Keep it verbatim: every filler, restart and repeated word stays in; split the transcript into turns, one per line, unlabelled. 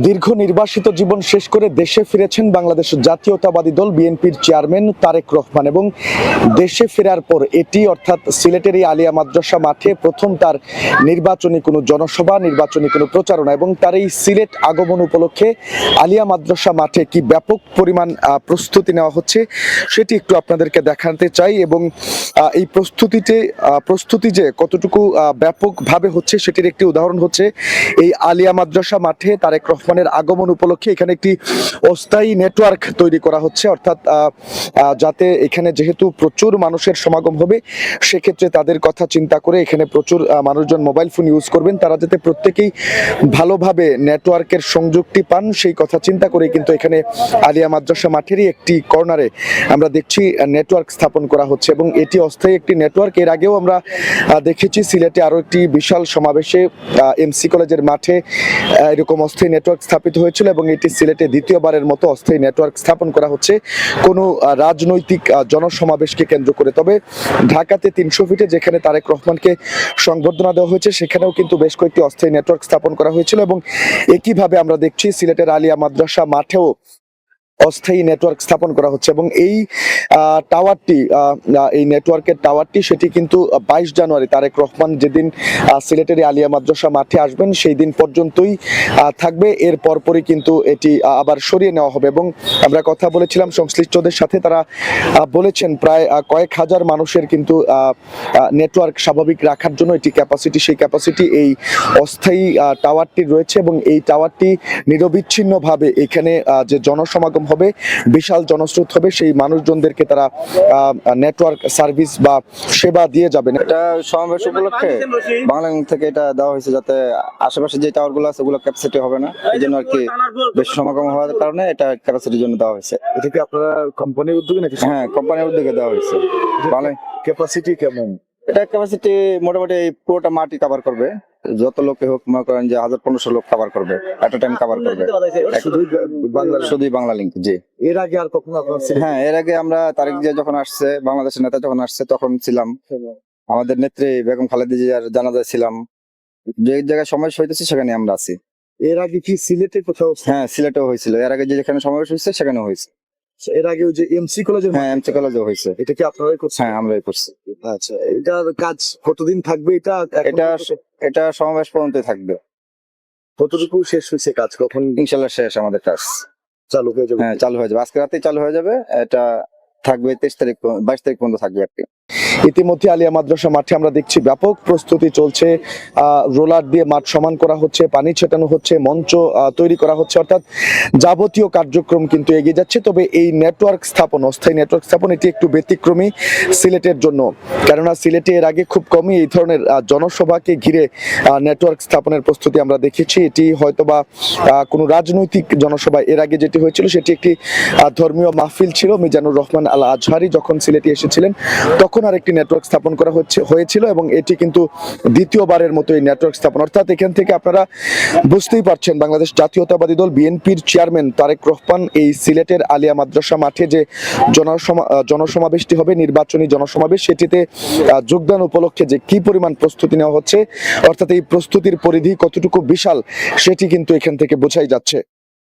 দীর্ঘ নির্বাসিত জীবন শেষ করে দেশে ফিরেছেন বাংলাদেশ জাতীয়তাবাদী দল বিএনপির চেয়ারম্যান তারেক রহমান এবং দেশে ফেরার পর এটি অর্থাৎ সিলেটের এই আলিয়া মাদ্রাসা মাঠে প্রথম তার নির্বাচনী কোনো জনসভা, নির্বাচনী কোনো প্রচারণা এবং তার এই সিলেট আগমন উপলক্ষে আলিয়া মাদ্রাসা মাঠে কি ব্যাপক পরিমাণ প্রস্তুতি নেওয়া হচ্ছে সেটি একটু আপনাদেরকে দেখাতে চাই এবং এই প্রস্তুতিতে প্রস্তুতি যে কতটুকু ব্যাপকভাবে হচ্ছে সেটির একটি উদাহরণ হচ্ছে এই আলিয়া মাদ্রাসা মাঠে তারেক রহমানের আগমন উপলক্ষে এখানে একটি অস্থায়ী নেটওয়ার্ক তৈরি করা হচ্ছে, অর্থাৎ যাতে এখানে যেহেতু প্রচুর মানুষের সমাগম হবে সেক্ষেত্রে তাদের কথা চিন্তা করে এখানে প্রচুর মানুষজন মোবাইল ফোন ইউজ করবেন, তারা যাতে প্রত্যেকেই ভালোভাবে নেটওয়ার্কের সংযোগটি পান সেই কথা চিন্তা করে কিন্তু এখানে আলিয়া মাদ্রাসা মাঠেরই একটি কর্নারে আমরা দেখছি নেটওয়ার্ক স্থাপন করা হচ্ছে এবং এটি অস্থায়ী একটি নেটওয়ার্ক। এর আগেও আমরা দেখেছি সিলেটে আরো একটি বিশাল সমাবেশে এমসি কলেজের মাঠে এরকম অস্থায়ী নেটওয়ার্ক স্থাপিত হয়েছিল এবং এটি সিলেটে দ্বিতীয়বারের মতো অস্থায়ী নেটওয়ার্ক স্থাপন করা হচ্ছে কোনো রাজনৈতিক জনসমাবেশকে কেন্দ্র করে। তবে ঢাকাতে তিনশো ফিটে যেখানে তারেক রহমানকে সংবর্ধনা দেওয়া হয়েছে সেখানেও কিন্তু বেশ কয়েকটি অস্থায়ী নেটওয়ার্ক স্থাপন করা হয়েছিল এবং একইভাবে আমরা দেখছি সিলেটের আলিয়া মাদ্রাসা মাঠেও অস্থায়ী নেটওয়ার্ক স্থাপন করা হচ্ছে এবং এই টাওয়ারটি এই নেটওয়ার্কের টাওয়ারটি সেটি কিন্তু বাইশ জানুয়ারি তারেক রহমান যেদিন সিলেটের আলিয়া মাদ্রাসা মাঠে আসবেন সেই দিন পর্যন্তই থাকবে, এর পরপরই কিন্তু এটি আবার সরিয়ে নেওয়া হবে এবং আমরা কথা বলেছিলাম সংশ্লিষ্টদের সাথে, তারা বলেছেন প্রায় কয়েক হাজার মানুষের কিন্তু নেটওয়ার্ক স্বাভাবিক রাখার জন্য এটি ক্যাপাসিটি, সেই ক্যাপাসিটি এই অস্থায়ী টাওয়ারটি রয়েছে এবং এই টাওয়ারটি নিরবিচ্ছিন্নভাবে এখানে যে জনসমাগম হবে, বিশাল জনস্রোত হবে, সেই মানুষজনদেরকে তারা নেটওয়ার্ক সার্ভিস বা সেবা দিয়ে যাবেন।
এটা সমাবেশ উপলক্ষে বাংলাদেশ থেকে এটা দেওয়া হয়েছে যাতে আশেপাশে যে টাওয়ার গুলো আছে ওগুলো ক্যাপাসিটি হবে না, এই জন্য আর কি বেশি সমাগম হওয়ার কারণে এটা ক্যাপাসিটির জন্য দেওয়া হয়েছে।
এটা কি আপনারা কোম্পানির উদ্যোগে নাকি?
হ্যাঁ, কোম্পানির উদ্যোগে দেওয়া হয়েছে। ভালো ক্যাপাসিটি কেমন? এটা ক্যাপাসিটি মোটামুটি পুরোটা মাটি কভার করবে, যত লোকে হোক মনে করেন যে হাজার পনেরোশো লোক কভার করবে, এট টাইম কভার করবে শুধুই বাংলা লিঙ্ক। জি,
এর আগে আর কখনো আপনারা?
হ্যাঁ, এর আগে আমরা তারেক জিয়া যখন আসছে, বাংলাদেশের নেতা যখন আসছে তখন ছিলাম, আমাদের নেত্রী বেগম খালেদা জিয়ার জানাজায় ছিলাম, যে জায়গায় সমাবেশ হইতেছে সেখানে আমরা আছি।
এর আগে কি সিলেটে কোথাও?
হ্যাঁ, সিলেটেও হয়েছিল, এর আগে যেখানে সমাবেশ হয়েছে সেখানে হয়েছে।
এর আগে ওই যে এমসি কলেজে?
হ্যাঁ, এমসি কলেজেও হয়েছে।
এটা কি আপনারাই করছেন?
হ্যাঁ, আমরাই করছি।
আচ্ছা, এটার কাজ কতদিন থাকবে? এটা
এটা এটা সমাবেশ পর্যন্ত থাকবে।
কতটুকু শেষ হয়েছে কাজ? কখন
ইনশাল্লাহ শেষ আমাদের কাজ,
চালু হয়ে যাবে?
হ্যাঁ, চালু হয়ে যাবে, আজকে রাতেই চালু হয়ে যাবে। এটা থাকবে তেইশ তারিখ বাইশ তারিখ পর্যন্ত থাকবে আর কি।
ইতিমধ্যে আলিয়া মাদ্রাসা মাঠে আমরা দেখছি ব্যাপক প্রস্তুতি চলছে, রোলার দিয়ে মাঠ সমান করা হচ্ছে, পানি ছেটানো হচ্ছে, মঞ্চ তৈরি করা হচ্ছে, অর্থাৎ যাবতীয় কার্যক্রম কিন্তু এগিয়ে যাচ্ছে। তবে এই নেটওয়ার্ক স্থাপন, অস্থায়ী নেটওয়ার্ক স্থাপন এটি একটু ব্যতিক্রমী সিলেটের জন্য, কেননা সিলেটে এর আগে খুব কমই এই ধরনের জনসভাকে ঘিরে নেটওয়ার্ক স্থাপনের প্রস্তুতি আমরা দেখেছি। এটি হয়তোবা কোনো রাজনৈতিক জনসভা, এর আগে যেটি হয়েছিল সেটি একটি ধর্মীয় মাহফিল ছিল, মিজানুর রহমান আল আজহারি যখন সিলেটে এসেছিলেন তখন আর একটি নেটওয়ার্ক স্থাপন করা হচ্ছে হয়েছিল এবং এটি কিন্তু দ্বিতীয়বারের মতো এই নেটওয়ার্ক স্থাপন। অর্থাৎ এখান থেকে আপনারা বুঝতেই পারছেন বাংলাদেশ জাতীয়তাবাদী দল বিএনপির চেয়ারম্যান তারেক রহমান এই সিলেটের আলিয়া মাদ্রাসা মাঠে যে জনসমা জনসমাবেশটি হবে, নির্বাচনী জনসমাবেশ, সেটিতে যোগদান উপলক্ষে যে কি পরিমাণ প্রস্তুতি নেওয়া হচ্ছে, অর্থাৎ এই প্রস্তুতির পরিধি কতটুকু বিশাল সেটি কিন্তু এখান থেকে বোঝাই যাচ্ছে।